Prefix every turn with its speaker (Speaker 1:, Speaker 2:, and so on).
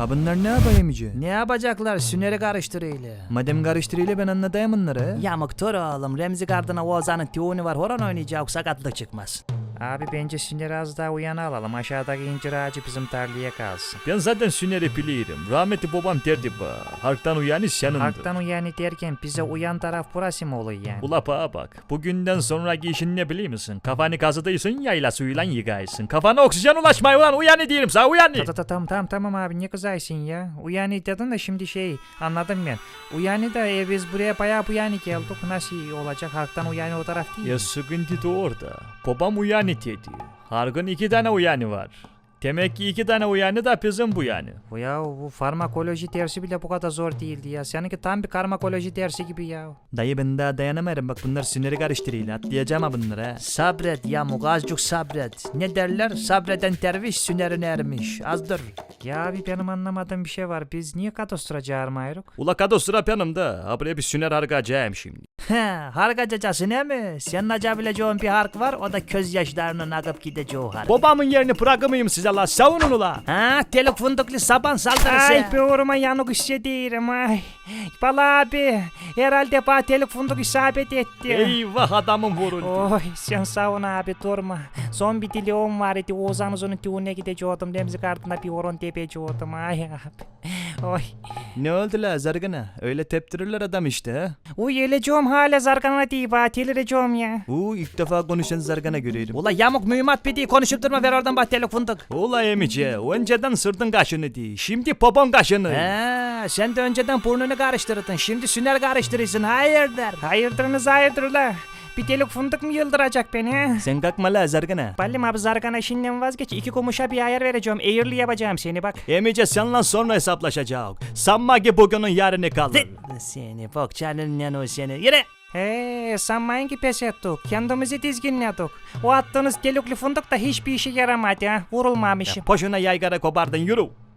Speaker 1: Ha bunlar ne yapayım iyice?
Speaker 2: Ne yapacaklar? Süneri karıştırıyla.
Speaker 1: Madem karıştırıyla ben anlatayım bunları.
Speaker 2: Yamuk dur oğlum. Remzi Gardına Oğuzhan'ın tiyonu var. Horon oynayacak. Sakatlık çıkmaz. Abi bence Süneri az daha uyanı alalım. Aşağıdaki incir ağacı bizim tarlaya kalsın.
Speaker 3: Ben zaten Süner'i bilirim. Rahmetli babam derdi ba. Halktan uyanı senindir.
Speaker 2: Halktan uyanı derken bize uyan taraf burası mı oluyor yani?
Speaker 3: Ula bağa bak. Bugünden sonraki işin ne biliyor musun? Kafanı kazıdıysın yayla suyuyla yıkaysın. Kafana oksijen ulaşmıyor ulan uyanı diyelim sana uyanı.
Speaker 2: Tamam abi ne kızaysın ya. Uyanı dedin de şimdi anladım ben. Uyanı da biz buraya bayağı uyanı geldik. Nasıl olacak? Halktan uyanı o taraf değil
Speaker 3: Ya
Speaker 2: mi?
Speaker 3: sıkıntı da orada. Babam uyanı dedi. Her gün 2 tane uyanı var. Demek ki 2 tane uyanı da bizim bu yani.
Speaker 2: Bu farmakoloji dersi bile bu kadar zor değildi ya. Seninki tam bir karmakoloji dersi gibi ya.
Speaker 1: Dayı ben daha dayanamıyorum bak bunlar süneri karıştırıyla atlayacağım ha bunları ha.
Speaker 2: Sabret Yamuk azıcık sabret. Ne derler? Sabreden derviş sünerin ermiş. Azdır. Ya abi benim anlamadığım bir şey var. Biz niye kadostura çağırmayırız?
Speaker 3: Ula kado sıra yanımda. Ha buraya bir Süner harcayacağım şimdi.
Speaker 2: Harkacacası ne mi? Senin acabileceğin bir hark var. O da gözyaşlarının akıp gideceği hark.
Speaker 3: Babamın yerini bırakmayayım size la. Savunun ula.
Speaker 2: Teluk fındıklı saban saldırısı. Ay böğrüme yanık hissediyorum ay. Bala abi herhalde bana teluk fındık isabet etti.
Speaker 3: Eyvah adamın vuruldu.
Speaker 2: Oy sen savun abi durma. Son bir dileğim var idi. Oğuzhan Uzun'un düğününe gidecektim. Remzi Gardına bir horon tepecektim. Ay abi. Oy.
Speaker 1: Ne oldu la zargana? Öyle teptirirler adam işte ha.
Speaker 2: Uy öleceğim hala zargana değil bana delireceğim ya.
Speaker 1: İlk defa konuşan zargana görüyorum.
Speaker 2: Ula yamuk mühimmat bir değil konuşup durma ver oradan bak teluk fındık.
Speaker 3: Ula emice önceden sırdın kaşını değil. Şimdi popon kaşını.
Speaker 2: Sen de önceden burnunu karıştırdın. Şimdi süner karıştırırsın. Hayırdır? Hayırdır la. Bir delik fındık mı yıldıracak beni he?
Speaker 1: Sen kalkma la zargana.
Speaker 2: Ballim abi zargana işinden vazgeç. 2 kumuşa bir ayar vereceğim. Eğirli yapacağım seni bak.
Speaker 3: Emice seninle sonra hesaplaşacağız. Sanma ki bugünün yarını kalır.
Speaker 2: Seni bok çalın o seni. Yürü. Sanmayın ki pes ettik. Kendimizi dizginledik. O attığınız delikli fındık da hiçbir işe yaramadı ha. Vurulmamışım.
Speaker 3: Boşuna yaygara kopardın yürü.